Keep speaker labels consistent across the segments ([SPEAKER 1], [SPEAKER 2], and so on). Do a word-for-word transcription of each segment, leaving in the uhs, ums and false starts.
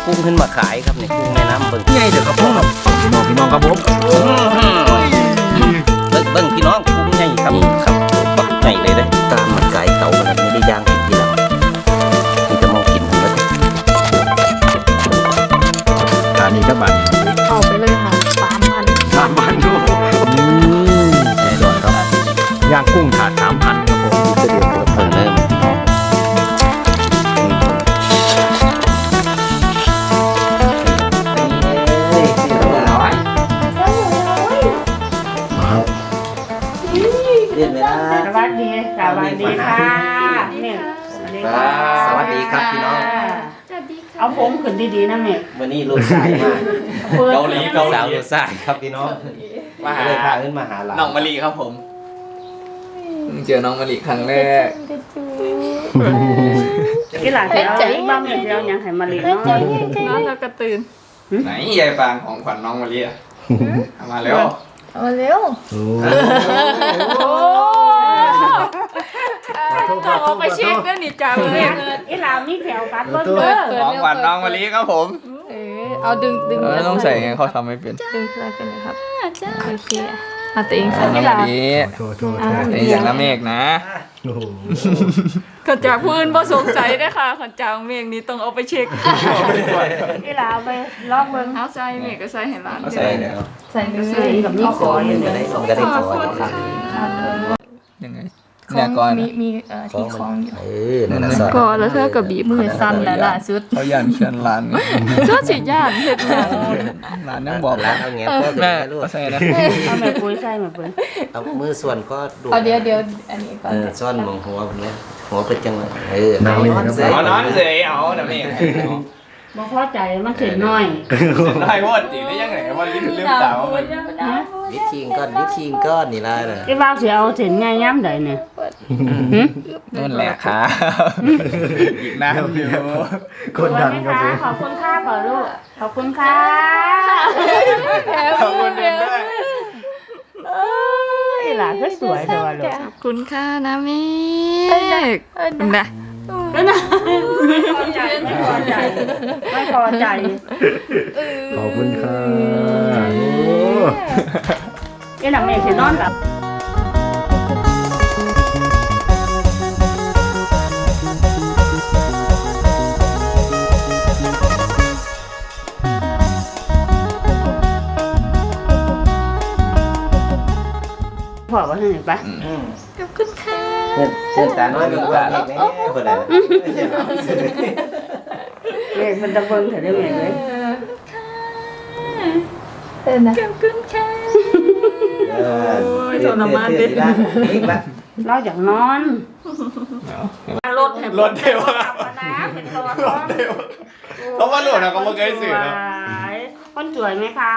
[SPEAKER 1] กุ้งขึ้นมาขายครับนี่กุ้งแม่น้ำเบิ่ง
[SPEAKER 2] ใหญ่เด้อครับพ่อครับพี่น้องพี่น้องครับผม
[SPEAKER 1] เบิ่งเบิ่งพี่น้องกุ้งใหญ่ครับครับปักใหญ่เลยเด้ตามมันไก่เต่ามันไม่ได้ย่างกินทีหลังนี่จะมองกินทั้งหมด
[SPEAKER 2] อันนี้ก็บัตร
[SPEAKER 3] เอาไปเลยค่ะสามพัน
[SPEAKER 2] สามพันดูแน่นอนครับย่างกุ้งถาดสามพันครับผม
[SPEAKER 1] เสด็จเพิ่งเริ่มเรียนเวลา
[SPEAKER 4] สวัสดีสวัสดีค่ะเนี่ย
[SPEAKER 1] สวัสดีครับพี่น้อง
[SPEAKER 4] เอาผมขึ้นดีๆนะแม่
[SPEAKER 1] วันนี้ลูกชายมาเกาหลีเกาหลีสาวลูกชายครับพี่น้องมาหาเลยพาขึ้นมาหาหลาน
[SPEAKER 5] น้องมะลิครับผมเจอน้องมะลิครั้งแรก
[SPEAKER 4] ที่หลานจะเอาบ้างเนี่ยจะเอาอย่างไห้มาเลี้ยงเนาะ
[SPEAKER 3] นอนแล้วก็ตื่น
[SPEAKER 5] ไหนยายฟางของขวัญน้องมะลิอ่ะเอามาเร็ว
[SPEAKER 3] เอาเร็ว
[SPEAKER 2] โอ้
[SPEAKER 3] ต้องเอาไปเช็คด้วยนี่จ้าเลย
[SPEAKER 4] ที่หลานมีแถวกัดเบิ้งเด้อ
[SPEAKER 5] ของขวัญน้องมะลิครับผม
[SPEAKER 3] เออเอาดึงดึง
[SPEAKER 5] เออต้องใส่ไงเขาทำไม่เป็น
[SPEAKER 3] ดึงอะไรกันเลยครับโอเคเอาตัวเองใส่
[SPEAKER 5] น้องมะลิ
[SPEAKER 2] โทษโทษโทษ
[SPEAKER 5] ไอ้อย่างน้ำเมฆนะ
[SPEAKER 2] โอ้โห
[SPEAKER 3] ขนจากพื้นบ่สงสัยได้ค่ะขนจากเมฆนี้ต้องเอาไปเช็ค
[SPEAKER 4] ที่หลานไปลอกเบิ้ง
[SPEAKER 3] เอาใส่เมฆก็ใส่ให้ร้าน
[SPEAKER 5] เอาใส่เนี่ย
[SPEAKER 3] ใส่เนื้อ
[SPEAKER 4] ใส่กับนี่ขออยู่เลย
[SPEAKER 1] ก็ได้ขอครับ
[SPEAKER 5] ยังไงเนี่ยก่อน
[SPEAKER 3] มีมีเอ่อที่คล้องอยู่
[SPEAKER 1] เออนั่นน่ะสอน
[SPEAKER 3] ก็แล้วเธอกับบีบมือสั้นแล้วล่ะสุด
[SPEAKER 5] เขาย่านเชียนร้าน
[SPEAKER 3] เธอสิย่านเฮ็ดงาน
[SPEAKER 5] ร้านยังบอก
[SPEAKER 1] ร้า
[SPEAKER 5] ร้าน น
[SPEAKER 1] เอาเงี้ยก็
[SPEAKER 5] แม่
[SPEAKER 1] ได้ลูก
[SPEAKER 5] เอาใส่นะ
[SPEAKER 4] เอาแม่ปุ้ยใส่แม่ปุ้ย
[SPEAKER 1] เอามือส่วนก็ดู
[SPEAKER 3] เอาเดี๋ยวเดี๋ยวอันนี้ก่อน
[SPEAKER 1] เออซ่อนมองหัวผมเนี่ยหัวเป็นจังเลยเออ
[SPEAKER 2] หนาวอยู่ครับ
[SPEAKER 5] เอานอนเฉยเอาน้ำเมฆ
[SPEAKER 4] บ่พอใจมันเข็นน้อย
[SPEAKER 5] ได้หมดจริงได้ยังไงว่าลิ้นลืมตามัน
[SPEAKER 1] วิธีก้อนวิธีก้อนนี่ละเลย
[SPEAKER 4] ที่บ้านสิเอาเส้นใหญ่ย้ำใดเนี่ย
[SPEAKER 5] นั่นแหละค่ะอีกน้ำอยู่
[SPEAKER 2] คนดังครับผม
[SPEAKER 4] ขอบคุณค่ะก่อนลูกขอบคุณค่ะ
[SPEAKER 5] ขอบคุณด้วย
[SPEAKER 4] ที่หลานก็สวยแต่ว่าลูก
[SPEAKER 3] ขอบคุณค่ะนะเมฆนะ
[SPEAKER 4] ไม่นะไม่พอใจไม่พอใจไม่พอใจ
[SPEAKER 2] ขอบคุณค่ะโอ้
[SPEAKER 4] ไอ้หนังเมฆสินอนกับพ่อว่าให้ไป
[SPEAKER 3] ขอบคุณค่ะ
[SPEAKER 1] เพื่อนเพื่อนตาน้อยเป็นว่าเด็กแน่คนไหน
[SPEAKER 4] เมฆมันจะเบิ่งเถอะได้เมฆเลย
[SPEAKER 3] เออนะขอบคุณค่ะ
[SPEAKER 1] เออทรมานดินี่ปะ
[SPEAKER 4] เราอยากนอนรถ
[SPEAKER 5] รถเทวะ
[SPEAKER 4] นะเป็นตัว
[SPEAKER 5] รถเทวะเขาว่าหลุดนะเขาไม่เคยสื่อนะ
[SPEAKER 4] คนสวยไหมคะ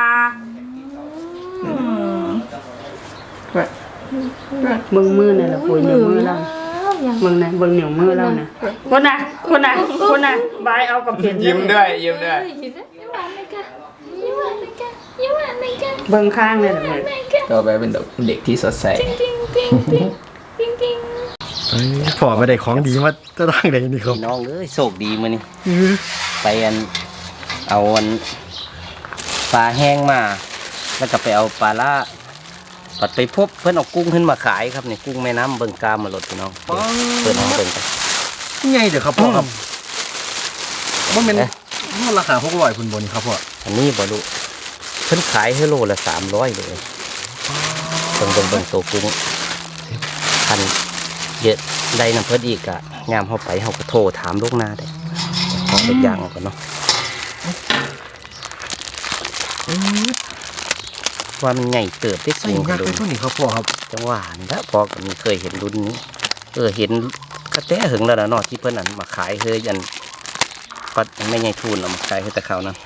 [SPEAKER 4] มึงมือเนี่ยแหละปุยเหนียวมือเรามึงนะเบิ่งเหนียวมือเรานะคนน่ะคนน่ะคนน่ะบายเอากับเปลี่ยน
[SPEAKER 5] ยิ้มด้วยยิ้มด้วย
[SPEAKER 3] ยิ้มหวานเลยค่ะยิ้มหวานเลยค่ะยิ้มหวานเลยค่ะ
[SPEAKER 4] เบิ่งข้างเลยเหรอแม่
[SPEAKER 5] ต่อไปเป็นเด็กที่สดใส
[SPEAKER 3] จริงจริงจริงจริงจริง
[SPEAKER 2] เอ้ยพ่อไม่ได้ของดีมาจะตั้งไหนนี่ครับ
[SPEAKER 1] พี่น้องเอ้ยโชคดีมื้อนี้ไปอันเอาอันปลาแห้งมาแล้วก็ไปเอาปลาล่าปัดไปพบเพื่อนเอากุ้งขึ้นมาขายครับนี่กุ้งแม่น้ำเบิ่งกามมาหลดพี่น้องเพื่อนน้องเบิ่งกัน
[SPEAKER 2] ใหญ่เด้อครับพ่อครับว่ามันมันราคาหกร้อยคุณบนครับพ่อ
[SPEAKER 1] อันนี้บ่ลูกเพิ่นขายให้โลละสามร้อยเลยเบิ่งเบิ่งเบิ่งตัวกุ้งพันเยอะได้น้ำเพิ่นอีกอะงามเข้าไปเขาก็โทรถามลูกหน้าได้ของเป็นอย่างก่อนเนาะว่ามันใหญ่เติบได้
[SPEAKER 2] ใส่
[SPEAKER 1] สูง
[SPEAKER 2] ยั
[SPEAKER 1] กั
[SPEAKER 2] ก
[SPEAKER 1] น
[SPEAKER 2] ษ์
[SPEAKER 1] ดู
[SPEAKER 2] ไปตัวนี้ครับพ่อครับ
[SPEAKER 1] จังหวะนี่ละพอกับมีเคยเห็นรุ่นนี้ เออเห็นกระแตหึงแล้วนะเนาะที่เพิ่นอันมาขายเฮยอันก็ไม่ใหญ่ทุนเอามาขายให้แต่เขานะ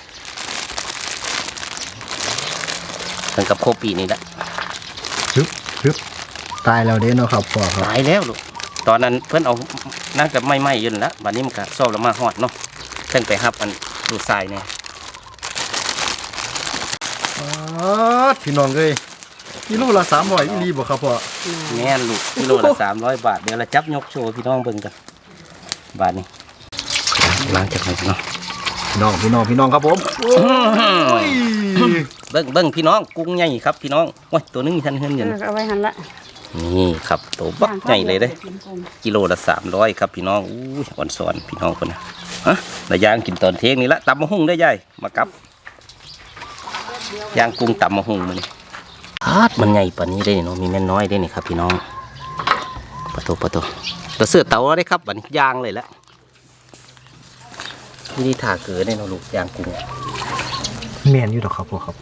[SPEAKER 1] ถึงกับโคปีนี่ละ
[SPEAKER 2] ฮึบฮึบตายแล้วเด้เนาะครับพ่อครับ
[SPEAKER 1] ตายแล้วลูกตอนนั้นเพิ่นเอานั่งกับไม่ไหม้ยืนแล้วบัดนี้มันก็ซอบแล้วมาฮอดเนาะเพิ่นไปฮับอันดูทรายเนี่ย
[SPEAKER 2] อ๋อพี่น้องเอ้ยกิโลละสามร้อยอีหลีบ่ครับพ่อ
[SPEAKER 1] แม่นลูกกิโลละสามร้อยบาทเดี๋ยวเราจับยกโชว์พี่น้องเบิ่งกันบาทนี้ล้างจากไหนเนาะ
[SPEAKER 2] พี่น้องพี่น้องพี่น้องครับผมโอ้ย
[SPEAKER 1] เบิ้งเบิ้งพี่น้องกุ้งใหญ่ครับพี่น้องว้ยตัวนึงท่านเฮือนอยู่นะ
[SPEAKER 4] เอาไว้หันละ
[SPEAKER 1] นี่ครับตัวบักใหญ่เลยเด้กิโลละสามร้อยครับพี่น้องอู้ยอ่อนสอนพี่น้องคนนะฮะระย่างกินตอนเที่ยงนี่ละตำมะฮุ่งได้ยายมากับย่างกุ้งตำมะฮุ่งมันฮาดมันใหญ่ปานนี้ได้เนาะมีแม่น้อยได้นี่ครับพี่น้องปะโตปะโตตัวเสื้อเต่าได้ครับบัดนย่างเลยละนี่ถ่าเกลือได้เนาะลูกย่างกุ้ง
[SPEAKER 2] แมนอยู่ดอกครับพวกครับ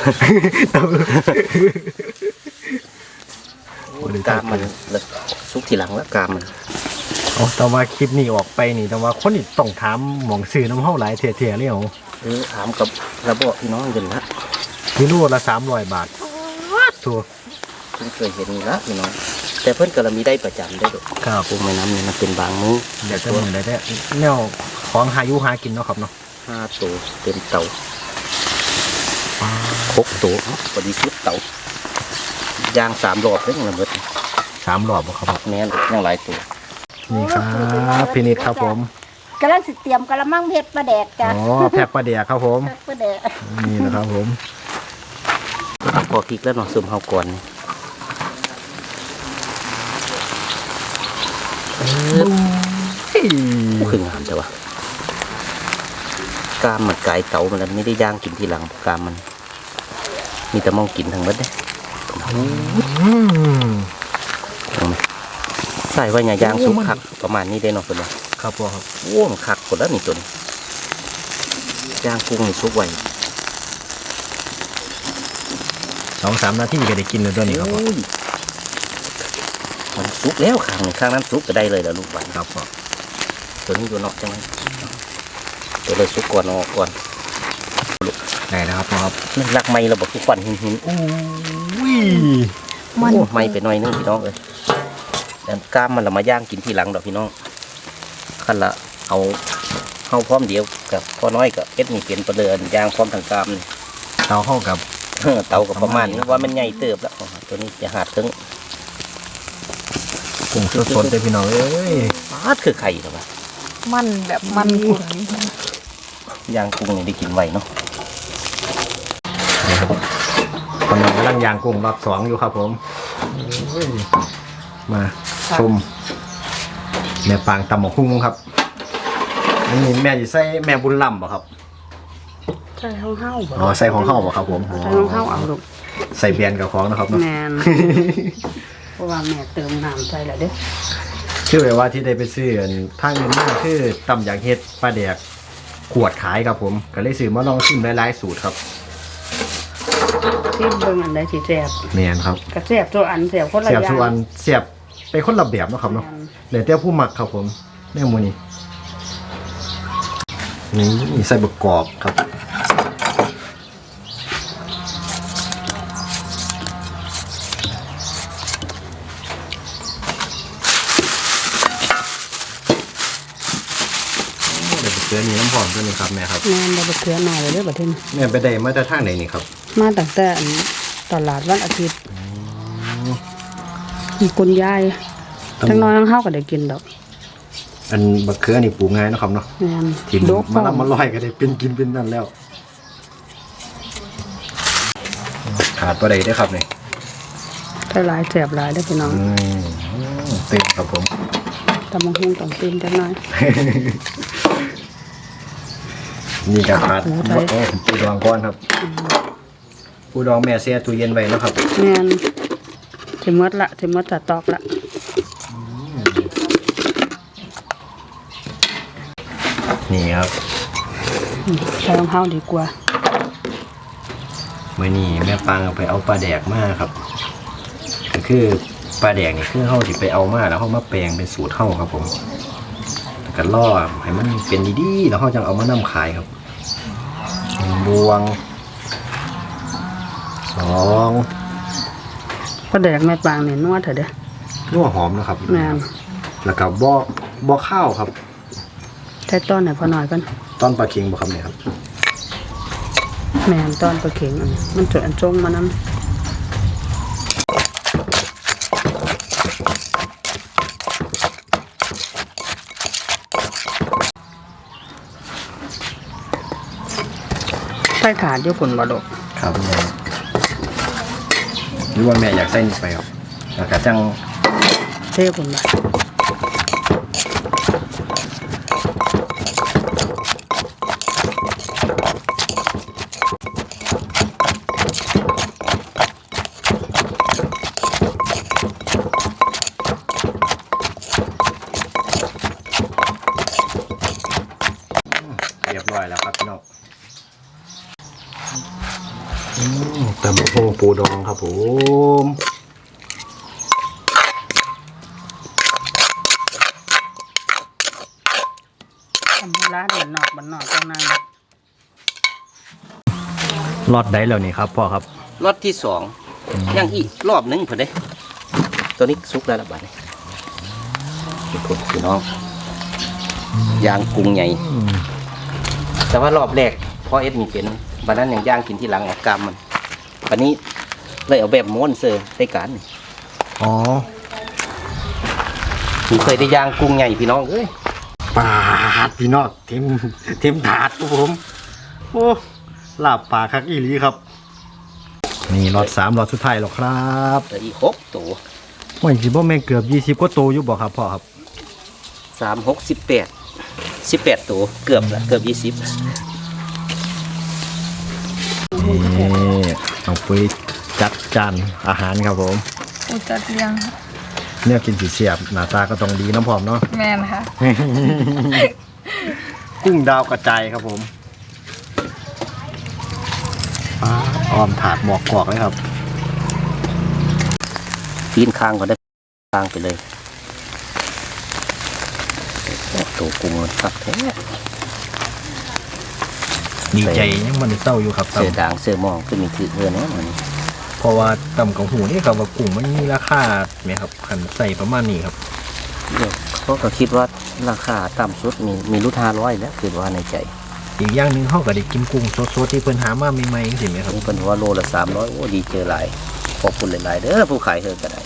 [SPEAKER 1] กามมันแล้วซุกทีหลังแล้วกามมัน
[SPEAKER 2] เอาแต่ว่าคลิปนี้ออกไปนี่แต่ว่าคนนี่ต้องถามหมองซื้อน้ำเฮาหลายเทียๆเลยเหรอ
[SPEAKER 1] เออถามกับระบบพี่น้องกันละ
[SPEAKER 2] กิโลละสามร้อยบาทถูก
[SPEAKER 1] เพิ่งเคยเห็นนี่ละพี่น้องแต่เพิ่นก็มีได้ประจำได้ด้วย
[SPEAKER 2] ครับ
[SPEAKER 1] กุ้งแม่น้ำนี่มันเป็นบางมื้อ
[SPEAKER 2] เดี๋ยวจะมือได้แต่แนวของหายุหากินเนาะครับเนาะ
[SPEAKER 1] ห้าตัวเต็มเตาหกตัวพอดีสุดเตาย่างสามรอบเลยละเบิด
[SPEAKER 2] สามรอบบ่ครับ
[SPEAKER 1] แม่นยังหลายตัว
[SPEAKER 2] นี่ครับพี่นิดครับผม
[SPEAKER 6] กำลังสิเตรียมกะละมังเพชรปลาแดกจ้ะ
[SPEAKER 2] อ๋อแพ็คปลาเดียครับผม
[SPEAKER 6] ปลาแดก
[SPEAKER 2] นี่นะครับผม
[SPEAKER 1] พอพริกแล้วเนาะซุ่มเฮาก่อนคืองามแต่ว่ากามมันกายเตามันแล้วไม่ได้ย่างกินทีหลังกามมัน มีแต่มองกินทั้งหมดเด้
[SPEAKER 2] อืม
[SPEAKER 1] เอาไหมใส่ไว้อย่าย่างสุกคักประมาณนี้ได้เนาะคนละ
[SPEAKER 2] ครับพ่อครับ
[SPEAKER 1] โอ้มันคักคนละนี่ตัวนี้ย่างกุ้งนี่สุกไว้
[SPEAKER 2] สองสามนาทีก็ได้กินแล้วตัวนี้ครับพ่อ
[SPEAKER 1] โอ้ยมันสุกแล้วข้างนี้ข้างนั้นสุกก็ได้เลยแล้วลูกหวาน
[SPEAKER 2] ครับพ่อ
[SPEAKER 1] ตัวนี้อยู่นอกจังไหมตัวเลยสุกก่อนออกก่อน
[SPEAKER 2] ได้แล้วครับพ่อครับ
[SPEAKER 1] นี่รักไม้เราบอกทุกวันหินหิน
[SPEAKER 2] โอ้ย
[SPEAKER 1] มันโอ้ไม้ไปหน่อยนึงพี่น้องเอ้ยแต่กล้ามมันเรามาย่างกินทีหลังดอกพี่น้องขั้นละเอาเข้าพร้อมเดียวกับพ่อน้อยกับเอ็ดนี่เปลี่ยนประเดินย่างพร้อมทางกล้ามนี่
[SPEAKER 2] เตาเข้ากับ
[SPEAKER 1] เออเตากับประมาณนี้ว่ามันใหญ่เติบแล้วตัวนี้จะหาดถึง
[SPEAKER 2] กุ้งสดๆเลยพี่น้องเอ้ย
[SPEAKER 1] ปาดคือไข่หรอวะ
[SPEAKER 3] มันแบบมันขุ่น
[SPEAKER 1] ย่างกุ้งนี่ได้กินไวเนาะ
[SPEAKER 2] นี่ครับคนนึงกำลังย่างกุ้งรอบสองอยู่ครับผมโอ้ยมาชมแม่ปางตำหมกหุ้งครับอันนี้แม่จะใส่แม่บุญลำบ่ครับ
[SPEAKER 4] ใส่ห้องเฮาบ่
[SPEAKER 2] อ๋อใส่ของเข้าบ่ครับผมอ๋อ
[SPEAKER 4] ใส่ห้องเฮาเอาลูก
[SPEAKER 2] ใส่เบียนกับของนะครับเนาะ
[SPEAKER 4] แม่น เพราะว่าแม่เติมน้ำใส่แล้วเด้อ
[SPEAKER 2] ชื่อไว้ว่าที่ได้ไปซื้ออันทางเงินมาคือตำอย่างเฮ็ดปลาแดกขวดขายครับผมก็เลยซื้อมาลองชิมหลายๆสูตรครับ
[SPEAKER 4] ที่เบิ่งอันใดที่แซ่บ
[SPEAKER 2] แม่นครับ
[SPEAKER 4] ก็แซ่บตัวอันแซ่บคนละอ
[SPEAKER 2] เสียบ
[SPEAKER 4] ย่าง
[SPEAKER 2] ส่วนเสียบไปคนละแบบเนาะครับเนาะเหลือแต่ผู้หมักครับผมแม่หมูนี่นี่ใส่บกกรอบครับเดี๋ยวไปเกลือนี่น้ำหอมด้วยนี่ครับแม่ครับ
[SPEAKER 4] แม่นได้บ่เกลือหน่อยเด้อบัดนี้
[SPEAKER 2] แม่ไปได้มาจากทางไหนนี่ครับ
[SPEAKER 4] มาตั้งแต่อันตลาดวันอาทิตย์มีคุณยายทั้งน้อยทั้งเฮาก็ได้กินดอก
[SPEAKER 2] อันบักเขือนี่ปลูกง่ายเนาะครับเนาะ
[SPEAKER 4] แม่น
[SPEAKER 2] ทิม
[SPEAKER 4] ดก
[SPEAKER 2] มาลำมาลอยก็ได้เป็นกินเป็นนั่นแล้วขาดตัวใดได้อครับเนี่ย
[SPEAKER 4] ถ้าหลายแซ่บหลายเด้อพี่น้อง
[SPEAKER 2] อืมเต็มครับผม
[SPEAKER 4] ตำบักหุ่งต้องตื่นจักหน่อย
[SPEAKER 2] นี่ก็ขาด
[SPEAKER 4] หมูไทย
[SPEAKER 2] โอ้ปูดองก้อนครับปูดองแม่เสียตู้เย็นไว้แล้วครับ
[SPEAKER 4] แม่นสิหมดละสิหมดสต๊อกละ
[SPEAKER 2] นี่ครับ
[SPEAKER 4] ใส่ของเฮาดีกว่า
[SPEAKER 2] เมื่อนี้แม่ปังเอาไปเอาปลาแดกมาครับก็คือปลาแดกนี่คือเฮาสิไปเอามาแล้วเฮามาแปลงเป็นสูตรเฮาครับผมแล้วก็ล่อให้มันเป็นดีๆแล้วเฮาจังเอามานำขายครับหนึ่งบวงสอง
[SPEAKER 4] ปลาแดกแม่ปางนี่นัวเถอะเด้อ
[SPEAKER 2] นัวหอมนะครับ
[SPEAKER 4] แม่น
[SPEAKER 2] แล้วก็บ่บ่ข้าวครับ
[SPEAKER 4] ใส่ต้นให้พอหน่อยก่อน
[SPEAKER 2] ต้นปลาเค็งบ่ครับเนี่ยครับ
[SPEAKER 4] แม่นต้นปลาเข็งอันนี้มันจดอันจงมานำใส่ถาดอยู่ฝุ่นบ่ลูก
[SPEAKER 2] ครับแม่หรือว่าแม่อยากใส่นี่ไปครับแล้วก็จัง
[SPEAKER 4] เทฝุ่นบ่
[SPEAKER 2] เรียบร้อยแล้วครับพี่น้องอืมตำบักหุ่งปูดองครับผม
[SPEAKER 4] ทำร้านบ้านนอกบ้านนอกจังนั้น
[SPEAKER 2] รอดได้แล้วนี่ครับพ่อครับ
[SPEAKER 1] รอบที่สองยังอีกรอบหนึงเพิ่นเด้ตัวนี้สุกแล้วละบาดนี้ทุกคนพี่น้องย่างกุ้งใหญ่แต่ว่ารอบแรกพ่อเอ็ดมีเป็นบัดนั้นยังย่างกินที่หลังออกกรรมมันบัดนี้เลยเอาแบบม้วนเซอร์ได้การนี่
[SPEAKER 2] อ๋อ
[SPEAKER 1] ผมเคยได้ย่างกุ้งใหญ่พี่น้องเอ้ย
[SPEAKER 2] ปาดพี่น้องเต็มเต็มถาดครับผมโอ้ลาบปลาคักอีหลีครับนี่รอดสามรอดสุดท้ายแล้วครับ
[SPEAKER 1] เหลืออีกหกตัว
[SPEAKER 2] ว่าสิบ่แม่นเกือบยี่สิบกว่าตัวอยู่บ่ครับพ่อครับ
[SPEAKER 1] สามหกสิบแปดสิบแปดตัวเกือบละเกือบยี่สิบ
[SPEAKER 2] นี่ต้องปุ้ยจัดจานอาหารครับผม
[SPEAKER 3] อุจัดเลี้ยง
[SPEAKER 2] เนี่ยกินสีเสียบหน้าตาก็ต้องดีน้ำพร้อมเนาะ
[SPEAKER 3] แม่นค่ะ
[SPEAKER 2] กุ้งดาวกระจายครับผมปลาอ้อมถาดหมอกกอกเลยครับ
[SPEAKER 1] ปีนคางก่อนได้คางไปเลยตัวกุ้งมันคักแท้
[SPEAKER 2] ดีใจยังมันเศร้าอยู่ครับ
[SPEAKER 1] เสือด่างเสือมองขึ้นมีถือเพื่อนนะมัน
[SPEAKER 2] เพราะว่าต่ำกับหูนี่ครับว่ากุ้งมันมีราคาไหมครับขันใส่ประมาณนี้ครับ
[SPEAKER 1] เดี๋ยวเขาก็คิดว่าราคาต่ำสุดมีมีรุ่นห้าร้อยแล้วคือว่าในใจ
[SPEAKER 2] อีกอย่างหนึ่งเขาก็ได้กินกุ้งสดๆที่เพิ่นหามาใหม่ๆสิไหมครับ
[SPEAKER 1] ผมเป็นว่าโลละสามร้อยโอ้ดีเจอหลายขอบคุณหลายๆเด้อผู้ขายเธอก็ได้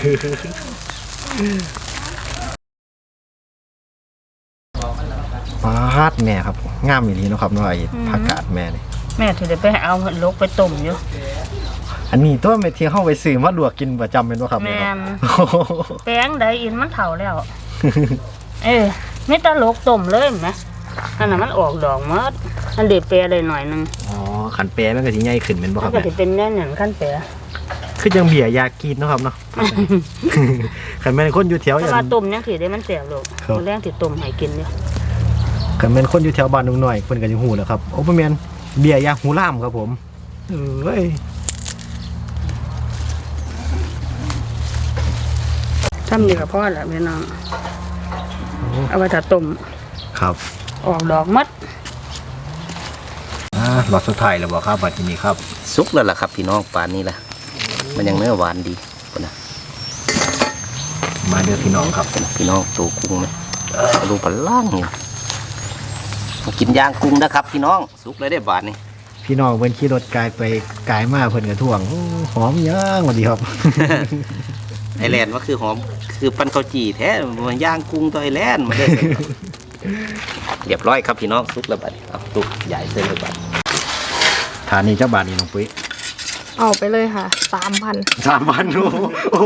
[SPEAKER 2] ปลาดแม่ครับงามอย่างนี้เนาะครับเนาะไอ้ผักกาดแม่นี่
[SPEAKER 4] แม่ถือได้ไปเอาลกไปต้มอยู่
[SPEAKER 2] อันนี้ตัวเม็ดที่เข้าไปซื้อมาลวกกินประจำเป็นว่าครับ
[SPEAKER 4] แม่
[SPEAKER 2] ครับ
[SPEAKER 4] น แป้งใดอินมันเฒ่าแล้ว เออไม่ตลกต้มเลยนะอันนั้นมันออกดอกหมดอันเด็ดแปรได้หน่อยหนึง
[SPEAKER 2] อ๋อขันแปรมันก็สิใหญ่ขึ้นเป็นบ่ค
[SPEAKER 4] มั
[SPEAKER 2] รั
[SPEAKER 4] น
[SPEAKER 2] บ
[SPEAKER 4] ก็
[SPEAKER 2] แม่
[SPEAKER 4] สิเป็นแน่นอย่างขั้นแปร
[SPEAKER 2] คือจังเบียร์ยากินเนาะครับเนาะ ขันแม่นคนอยู่แถวอ
[SPEAKER 4] แต่
[SPEAKER 2] ย่าง
[SPEAKER 4] ว่าต้มยังสิได้มันแสบลูก
[SPEAKER 2] ครับ
[SPEAKER 4] มื้อแรงสิต้มให้กินอยู่
[SPEAKER 2] ขันแม่นคนอยู่แถวบ้านนุ่งน้อยเพิ่นก็สิฮู้แหล้วครับโอ้บ่แม่นเบียร์ยาหูล่ามครับผมเอ้ย
[SPEAKER 4] ทำนี่ก็พอละพี่น้องเอาไว้ถ้าต้ม
[SPEAKER 2] ครับ
[SPEAKER 4] ออกดอกหมด
[SPEAKER 2] อ่ารอดสุดท้ายแล้วบ่ครับบัดนี้ครับ
[SPEAKER 1] สุกแล้วล่ะครับพี่น้องป่านนี้ล่ะมันยังเนื้อหวานดีคนนะ
[SPEAKER 2] มาเด้อพี่น้องครับ
[SPEAKER 1] พี่น้องตัวกุ้งไหมดูปลาล่างนี่มากินย่างกุ้งนะครับพี่น้องสุกเลยได้บาทนี่
[SPEAKER 2] พี่น้องเพิ่นขี่รถกายไปกายมาเพิ่นก็ท่วงโอ้หอมย่างสวัสดีครับ
[SPEAKER 1] ไอแลนด์ว่าคือหอมคือปั้นข้าวจี่แท้มันย่างกุ้งตัวไอแลนด์มาเลยเรียบร้อยครับพี่น้องสุกแล้วบาทนี่เอาตุกใหญ่เส้นเลยบาท
[SPEAKER 2] ฐานนี้เจ้าบาทนี่น้องปุ้ย
[SPEAKER 3] เอาไปเลยค่ะสามพัน
[SPEAKER 2] สามพันโอ้โห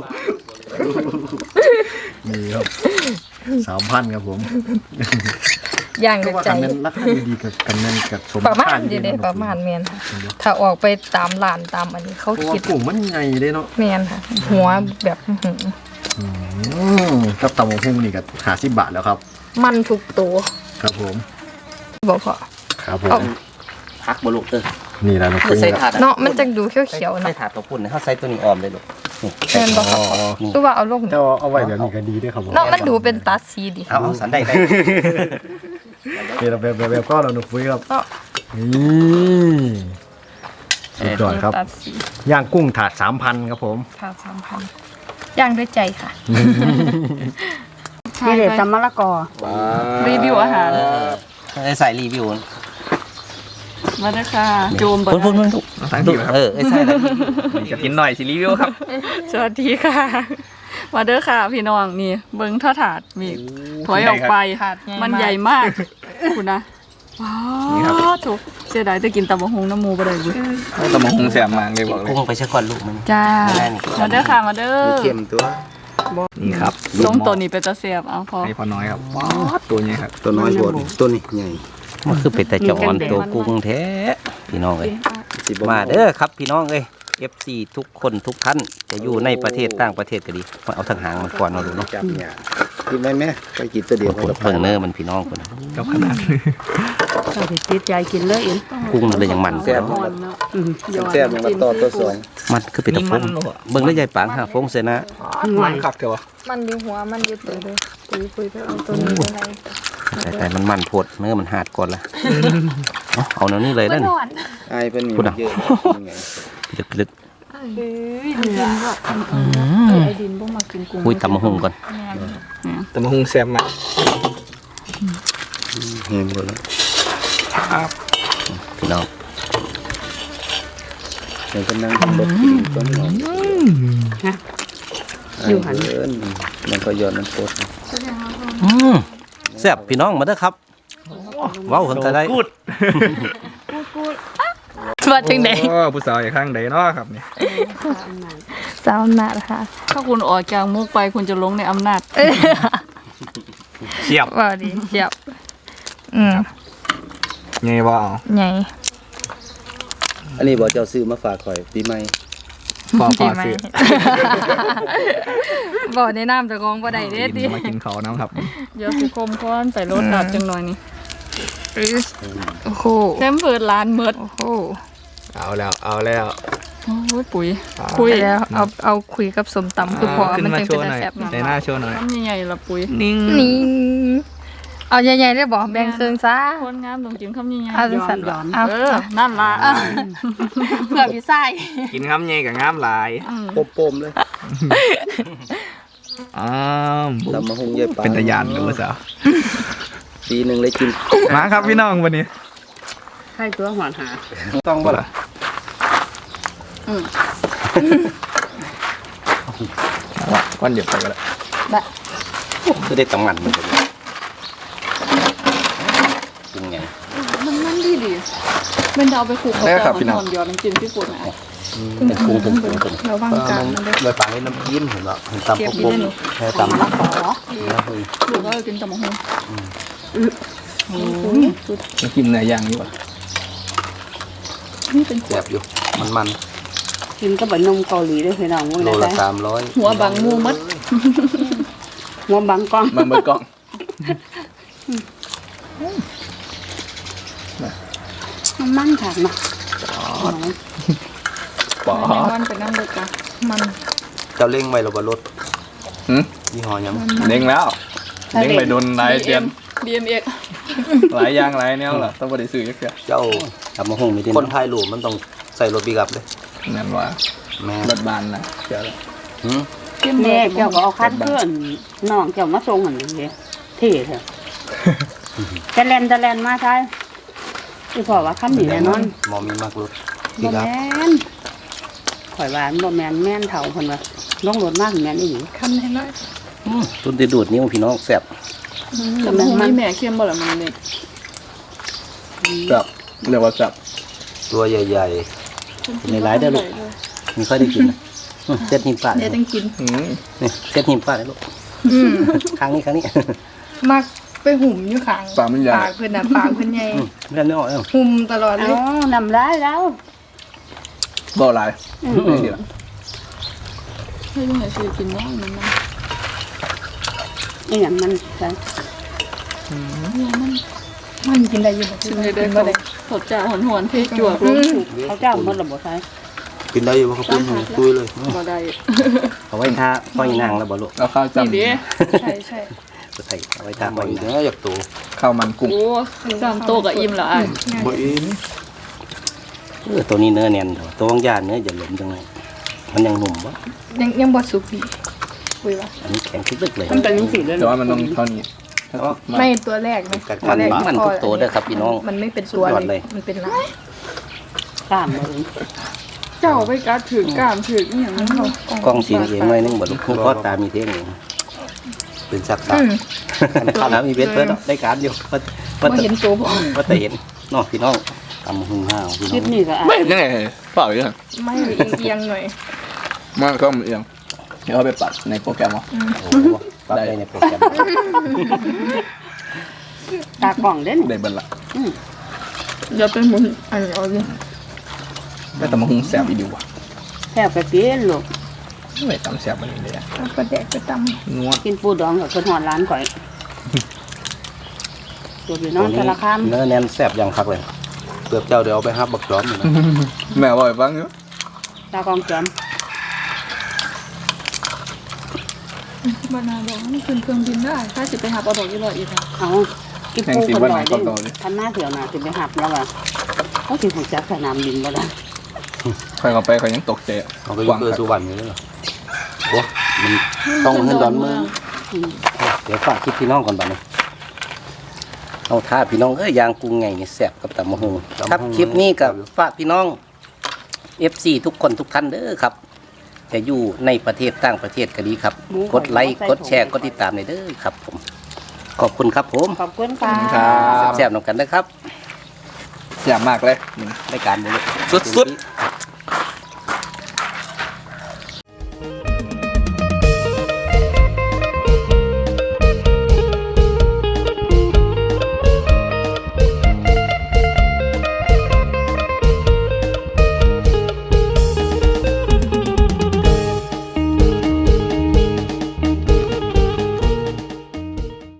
[SPEAKER 2] นี่ครับสามพันครับผม
[SPEAKER 3] อย่าง
[SPEAKER 2] ก็
[SPEAKER 3] ใน
[SPEAKER 2] ว่า
[SPEAKER 3] ใจ
[SPEAKER 2] กันนั้นราคาดีๆกับกันนั้นกับสม
[SPEAKER 3] ประมาณ
[SPEAKER 2] ค่
[SPEAKER 3] อยู่
[SPEAKER 2] ๆ
[SPEAKER 3] เด้
[SPEAKER 2] น
[SPEAKER 3] ประมาณแมนค่ะถ้าออกไปตามร้านตามอันนี้เขา
[SPEAKER 2] เพราะว่า
[SPEAKER 3] คิด
[SPEAKER 2] กุ้งมันใหญ่เลยเนาะ
[SPEAKER 3] แมนค่ะ หัวแบบอื้อหือ
[SPEAKER 2] อืมกับตำบักหุ่งนี่ก็ห้าสิบบาทแล้วครับ
[SPEAKER 3] มันทุกตัว
[SPEAKER 2] ครับผม
[SPEAKER 3] บอกพอ
[SPEAKER 2] ครับผ
[SPEAKER 3] เอา
[SPEAKER 2] ม
[SPEAKER 1] พักบลูกเออ
[SPEAKER 2] นี่แหละน้อง
[SPEAKER 1] คื
[SPEAKER 2] ปุ้
[SPEAKER 1] อย ใส่
[SPEAKER 2] ครับ
[SPEAKER 1] ถาด
[SPEAKER 3] เนาะมันจะดูเขียวๆ
[SPEAKER 1] ใส่
[SPEAKER 3] เนาะ
[SPEAKER 1] ถาดตัวปุ่นนะเขาใส่ตัวนี้ออมเลยลูกนี่
[SPEAKER 3] แมนบอกค่ะ
[SPEAKER 2] อ๋อ
[SPEAKER 3] คือว่าเอาลง
[SPEAKER 2] เจ้าเอาไว้แบบนี้ก็ดีด้วยครับผม
[SPEAKER 3] เนาะมันดูเป็นตัดสีดี
[SPEAKER 1] เอาเอาสันได้ได้
[SPEAKER 2] เป็นแบบแบบแบบก็เราหนุกปุ้ยครับ
[SPEAKER 3] เนาะ
[SPEAKER 2] นี่สุดยอดครับ
[SPEAKER 3] ตัดสี
[SPEAKER 2] ย่างกุ้งถาดสามพันครับผม
[SPEAKER 3] ค่ะสามพันย่างด้วยใจค่ะ
[SPEAKER 4] นี่เด็ดตำมะละกอ
[SPEAKER 3] รีวิวอาหาร
[SPEAKER 1] ไอ้ใส่รีวิว
[SPEAKER 3] มาด้วยค่ะจูม
[SPEAKER 1] พุ่นพุ่นพุ่นลูก
[SPEAKER 5] ทั้งทีครับ
[SPEAKER 1] เออไอ้ใส่แล้ว
[SPEAKER 5] นี่กับกินหน่อยสิรีวิวครับ
[SPEAKER 3] สวัสดีค่ะ มาเด้อค่ะพี่น้องนี่เบิ้งท่อถาดมีถอยออกไป
[SPEAKER 5] ถาด
[SPEAKER 3] มันใหญ่มาก คุณนะว้า
[SPEAKER 5] นี่ครับ
[SPEAKER 3] วถูกเสียดายจะกินตำบักหุ่งน้ำหมูบ่ได้บุ
[SPEAKER 5] ตำบักหุ่งแซ่บมากเลยบอกเลย
[SPEAKER 1] กุ้งไปซะก่อนลูกมัน
[SPEAKER 3] จ้า
[SPEAKER 1] แม่นี่
[SPEAKER 3] มาเด้อค่ะมาเด้อ
[SPEAKER 5] เข้มตัวนี่ครับ
[SPEAKER 3] ลงตัวนี้เป็นตาเสียบเอาพอ
[SPEAKER 5] ให้พอน้อยครับป๊อดตัวนี้ครับ
[SPEAKER 2] ตัวน้อยโบดตัวนี้ใหญ่
[SPEAKER 1] มันคือเป็นแต่จอนตัวกุ้งแท้พี่น้องเอ้ย
[SPEAKER 2] สิบ
[SPEAKER 1] มาเด้อครับพี่น้องเอ้ย เอฟ ซี ทุกคนทุกท่านจะอยู่ในประเทศต่างประเทศก็ดีมาเอาทางหางมันก่อนเอาดูเนาะ
[SPEAKER 2] จับเนี่ยกินไหมแม่ไปกินตัวเดียว
[SPEAKER 1] กดเพิ่งเนื้อมันพี่น้องคน
[SPEAKER 5] กับขนาด
[SPEAKER 4] ก็สิติดใจกินเลยอิน
[SPEAKER 1] กุ้งมันเลยยังมัน
[SPEAKER 2] แซ่บ
[SPEAKER 3] อ่อนเนาะ
[SPEAKER 4] อืม
[SPEAKER 2] แซ่บมันมาต่อตัวสอง
[SPEAKER 1] มันคือเป็นตะฟงเบิ่งแล้วยายปางหาฟงเสยนะ
[SPEAKER 5] มันคักเถอะวะ
[SPEAKER 3] มันดีหัวมันดีตัวเลยปุยปุยไปเอาตัวนี้ไปไหน
[SPEAKER 1] แต่แต่มันมันโพดเนื้อมันหาดก่อนละเอาเอาแนวนี้เลยนั่น
[SPEAKER 2] ไอ้เป็นมี
[SPEAKER 1] พูดอ่ะ
[SPEAKER 2] เยอะยังไง
[SPEAKER 1] ลึกลึก
[SPEAKER 3] ไอ้ดินบ่มากินกุ้ง
[SPEAKER 1] คุยตำมะฮุงก่อน
[SPEAKER 5] ตำบักหุ่งแซ่บมาก
[SPEAKER 2] เห็นหมดแล้ว
[SPEAKER 1] พี่น้อง
[SPEAKER 2] เดี๋ยวกำลังบดกินต้นหอมอยู่หันเอิ้นมันก็ย้อนมันโคตร
[SPEAKER 1] อืมแซ่บพี่น้องมาเด้อครับเว้าเพิ่นก็ได้
[SPEAKER 5] กูด
[SPEAKER 3] ว่าจังได๋
[SPEAKER 5] โอ้ผู้สาวอย่าข้างใดเนาะครับนี่
[SPEAKER 3] สาวอำนาจค่ะถ้าคุณออกจากมุกไปคุณจะลงในอำนาจ
[SPEAKER 5] เฉียบ
[SPEAKER 7] ว่าดีเฉียบอืม
[SPEAKER 5] ไงบ่เอา
[SPEAKER 7] ไง
[SPEAKER 2] อันนี้บอกเจ้าซื้อมาฝากข่อยปีใหม่
[SPEAKER 5] พอพ
[SPEAKER 7] ดี
[SPEAKER 5] อ
[SPEAKER 7] ไหม
[SPEAKER 5] ซื้อ
[SPEAKER 7] บอกในน้ำจะกองบ่ได้เด้ดิ
[SPEAKER 5] กินมากินเขาน้ำครับ
[SPEAKER 3] เดี๋ยวสิคมก้อนไปรถดับจังหน่อยนี่
[SPEAKER 7] โอ้โห
[SPEAKER 3] แซมเปิดร้านเมิด
[SPEAKER 7] โอ้โห
[SPEAKER 5] เอาแล้วเอาแล้ว
[SPEAKER 3] โอ้ยปุ๋ย
[SPEAKER 7] คุยแล้วเอาเอาคุยกับสมตำคือพอ
[SPEAKER 5] ขึ้น
[SPEAKER 7] มัน
[SPEAKER 5] มา
[SPEAKER 7] จึง
[SPEAKER 5] โช
[SPEAKER 7] เป็น
[SPEAKER 5] ว์หน่อย
[SPEAKER 7] แซ่บเนาะ
[SPEAKER 5] ในหน้าโชว์หน่อย
[SPEAKER 3] ทำใหญ่ๆละปุ๋ย
[SPEAKER 5] นิ่ง
[SPEAKER 7] นี่เอาใหญ่ๆได้บอกแบ่งเครื่องซะ
[SPEAKER 3] คนงามต้องกินคำใหญ่
[SPEAKER 7] เอาจังสั่นบ่เอา
[SPEAKER 3] เออนั่นล่ะ
[SPEAKER 7] เพื่อพี่ไส้
[SPEAKER 5] กินคำใหญ่กับงามหลาย
[SPEAKER 3] อืม
[SPEAKER 2] โปมๆเลย
[SPEAKER 5] อ้าว
[SPEAKER 2] ตำมะฮุงเยอะปลา
[SPEAKER 5] เป็นตะยานเลยผู้สาว
[SPEAKER 2] ปีหนึ่งเลยกิน
[SPEAKER 5] มาครับพี่น้องวันนี้
[SPEAKER 4] ให้ตัวหวานหา
[SPEAKER 2] ต้องบ่ล่ะ
[SPEAKER 5] ก้อนเดียวไปก็แล้ว
[SPEAKER 1] คือได้ตำมันมันก็ดีกุ้งไง
[SPEAKER 3] มันมันดีดีเป็นดาวไปขู่เขาแต่มันหอมยอดน้ำจิ้มที่ปุ่นอ่ะ
[SPEAKER 1] เป็นกุ้งกุ้งกุ้งกุ้ง
[SPEAKER 3] ระวังกันมันเด้อ
[SPEAKER 2] เลยปลาให้น้ำจิ้มเห็นบ่เห็นตำปกๆแค่ตำ
[SPEAKER 3] หรือว่ากินตำมะฮง
[SPEAKER 5] มากินเนื้อย่างอยู่วะ
[SPEAKER 3] นี่เป็น
[SPEAKER 2] แซ่บอยู่มันมัน
[SPEAKER 4] กินกับนมเกาหลีด้วยพี่น้องมื้อ
[SPEAKER 2] โล
[SPEAKER 4] นั้น
[SPEAKER 2] ละ
[SPEAKER 4] ได้
[SPEAKER 2] สามร้อย
[SPEAKER 3] หัวบังมูมัด
[SPEAKER 4] หัวบังกล้อง
[SPEAKER 5] มันเบิดกล้อง
[SPEAKER 4] มันมันคักเนาะ
[SPEAKER 5] ปอ
[SPEAKER 3] มันเป็นน้ำเดือดจ้ะมัน
[SPEAKER 2] เจ้าเล่งไว้หรือบ่รถ
[SPEAKER 5] หืม
[SPEAKER 2] ยี่ห้อหยัง
[SPEAKER 5] เด้งแล้วเด้งไปโดนหลายเดือน
[SPEAKER 3] ดีเอ็มเอ็ก
[SPEAKER 5] หลายอย่างหลายแนวล่ะต้องบ่ได้ซื้อจักเทื่อ
[SPEAKER 2] เจ้า
[SPEAKER 1] ตำมะฮุงมีที่
[SPEAKER 2] คนไทยหลูมันต้องใส่รถปิกอัพเลย
[SPEAKER 5] นั่นว่า
[SPEAKER 2] แม่
[SPEAKER 5] รถบานนะเดี๋ยว
[SPEAKER 2] หืม
[SPEAKER 4] แม่เจ้าก็เอาคันเพื่อนน้องเจ้ามาส่งหั่นนี่เท่เถอะจะแล่นจะแล่นมาใช่คือพอว่าคันนี้แน่นอน
[SPEAKER 2] หมอมีมากรถปิ
[SPEAKER 4] บ่
[SPEAKER 2] กอัพ
[SPEAKER 4] แม่นข่อยว่ามันบ่แม่นแม่นเฒ่าเพิ่นว่าลงรถมากแม่นอีหลี
[SPEAKER 3] คันให้น้อย
[SPEAKER 1] ตุนได้ดูดนิ้วพี่น้องแซ่บ
[SPEAKER 3] ตำมะฮงมีแม่เข้มบ่ล่ะมันเนี่ย
[SPEAKER 5] จับเรียกว่าจับ
[SPEAKER 2] ตัวใหญ่
[SPEAKER 1] ในร้ายได้อลูกมีค่อยได้กินนะอืมเซ็ตหิมปลา
[SPEAKER 3] เดี๋ยวต้องกิน
[SPEAKER 5] อืม
[SPEAKER 1] นี่เซ็ตหิมปลาได้ลูก
[SPEAKER 7] อืม
[SPEAKER 1] ครั้งนี้ครั้งนี้
[SPEAKER 7] มักไปหุ่มอยู่ข้าง
[SPEAKER 5] ปลามันใหญ่
[SPEAKER 7] ปากเพิ่นน่ะปากเพิ่นใหญ่
[SPEAKER 1] อืมไม่ได้ไม่ออกเอ้า
[SPEAKER 7] หุ่มตลอดเล
[SPEAKER 4] เอ้าย นำร้ายแล้ว
[SPEAKER 5] บ่หลายไม่ดีละ
[SPEAKER 3] ให้ลุงไหนซื้อกินบ้างมันมัน
[SPEAKER 4] อีหยังมันใช่
[SPEAKER 7] มันกินได้อยู่บ่
[SPEAKER 3] ซื้อให้ได้บ่ได้สดจ้าหอนๆเทจั่วลงถูก
[SPEAKER 4] เขาเจ้ามันระบบใช่
[SPEAKER 2] ๆกินได้อยู่บ่ครับคุณตุยเลย
[SPEAKER 3] บ่ได้
[SPEAKER 1] เอาไว้ท่าห้อยนางแล้วบ่ลูก
[SPEAKER 5] เอาข้าว
[SPEAKER 3] นี่
[SPEAKER 5] จำ
[SPEAKER 3] ดิ
[SPEAKER 7] ใช่ใช่
[SPEAKER 1] ใส่เอาไว้ท่า
[SPEAKER 2] บ่
[SPEAKER 1] ห้อย
[SPEAKER 2] อีก
[SPEAKER 1] นาง
[SPEAKER 2] แล้วอยากตัว
[SPEAKER 5] ข้าวมันกุ้ง
[SPEAKER 3] โอ้จำโตกับอิ่มละอ้าย
[SPEAKER 2] บ่อีก
[SPEAKER 1] เออตัวนี้เนื้อเนียนเถอะตัวของยานเนื้ออย่าหลมจังเลยมันยังหนุ่มวะ
[SPEAKER 7] ยังยังบ่สุกดีคุยว่า
[SPEAKER 1] อันนี้แข็งทึกๆเลย
[SPEAKER 4] มันเป็นยังสีเลย
[SPEAKER 5] แต่ว่ามันต้องเท่านี้
[SPEAKER 7] ไม่ตัวแรกนะ
[SPEAKER 1] กัด
[SPEAKER 7] ตัวแรก
[SPEAKER 1] มันทุกตัวเด้อครับพี่น้อง
[SPEAKER 7] มันไม่เป็นตัว
[SPEAKER 1] สุดยอด
[SPEAKER 7] เล
[SPEAKER 1] เลย ย
[SPEAKER 7] มันเป็นลาย
[SPEAKER 4] กล้ามเลย
[SPEAKER 3] เจ้าไปกัดถือกล้ามถืออีหยังนั้นเขา
[SPEAKER 1] กล้องสีเองหน่อยนึงบ่ลูกพ่อตามีเท่งเอง
[SPEAKER 2] เป็นสัก
[SPEAKER 7] อืม
[SPEAKER 1] ข้าวน้ำมีเวทเพิ่นเนาะได้การอยู่ว่าว่า
[SPEAKER 7] บ่
[SPEAKER 1] แต่
[SPEAKER 7] เห็นตัวบ่
[SPEAKER 1] ว่าแต่เห็นเนาะพี่น้องตำหุ่งห้าวพี่
[SPEAKER 4] คลิป
[SPEAKER 1] น้อง
[SPEAKER 4] นี้ก็อ่ะ
[SPEAKER 5] ไม่เห็นยังไงเปล่าอยู่นะ
[SPEAKER 3] ไม่เอียงๆหน่อย
[SPEAKER 5] มันก็เอียงเดี๋ยวเอาไปปัดในโปรแกรมเอา
[SPEAKER 1] โอ้โหปรับได้ในโปรแกรม
[SPEAKER 4] ตากล่องเด้น
[SPEAKER 5] ได้เบิร์ละ
[SPEAKER 3] เดี๋ยวเป็นหมุนอันนี้เอาดิ
[SPEAKER 5] แต่ตำมะฮุงแสบอีดีว่ะ
[SPEAKER 4] แทบไปกินลูก
[SPEAKER 5] ไม่ตำแสบมันนี้เลยอะ
[SPEAKER 3] เอาปลาแดกไปตำ
[SPEAKER 5] นัว
[SPEAKER 4] กินปูดองกับคนหอดร้านก่อยตัวพี่น้องแต่ละคำ
[SPEAKER 1] เนื้อแน่นแซ่บอย่างคักเลยเกือบเจ้าเดี๋ยวเอาไปฮับบักจอมอยู่นะ
[SPEAKER 5] แม่บอกให้ฟังอยู่
[SPEAKER 4] ตากองจอม
[SPEAKER 3] บานาบอกว่ามันขึ้นเครื่องบินได้ถ้าสิไปหาปลาดอกยี่ร้อยอีกค่ะ
[SPEAKER 4] เอากินปูคนหน่อยดิทันหน้าเถียวหน่ะจะไปหับแล้วอ่ะเขาถึงหัวจักสนามบินบ่ได้
[SPEAKER 5] ใครเข้าไปเขายังตกใจอะ
[SPEAKER 1] เอาไปอยู่เกิดสุวรรณอยู่เลยเหรอโอ้มันต้องเงินดอนเมืองเดี๋ยวฝากคิดพี่น้องก่อนบัดนี้เอาท่าพี่น้องเอ้ยยางกุ้งไงนี่แซ่บกับตำมะฮุงครับคลิปนี้กับฝากพี่น้อง เอฟ ซี ทุกคนทุกท่านเด้อครับ จะอยู่ในประเทศต่างประเทศก็ดีครับ กดไลค์กดแชร์กดติดตามเลยเด้อครับผมขอบคุณครับผม
[SPEAKER 4] ขอบคุณค่ะ
[SPEAKER 5] ครับ
[SPEAKER 1] แซ่บๆนำกันนะครับ
[SPEAKER 5] แสบมากเลย
[SPEAKER 1] รายการบุญ
[SPEAKER 5] สุด
[SPEAKER 1] ๆ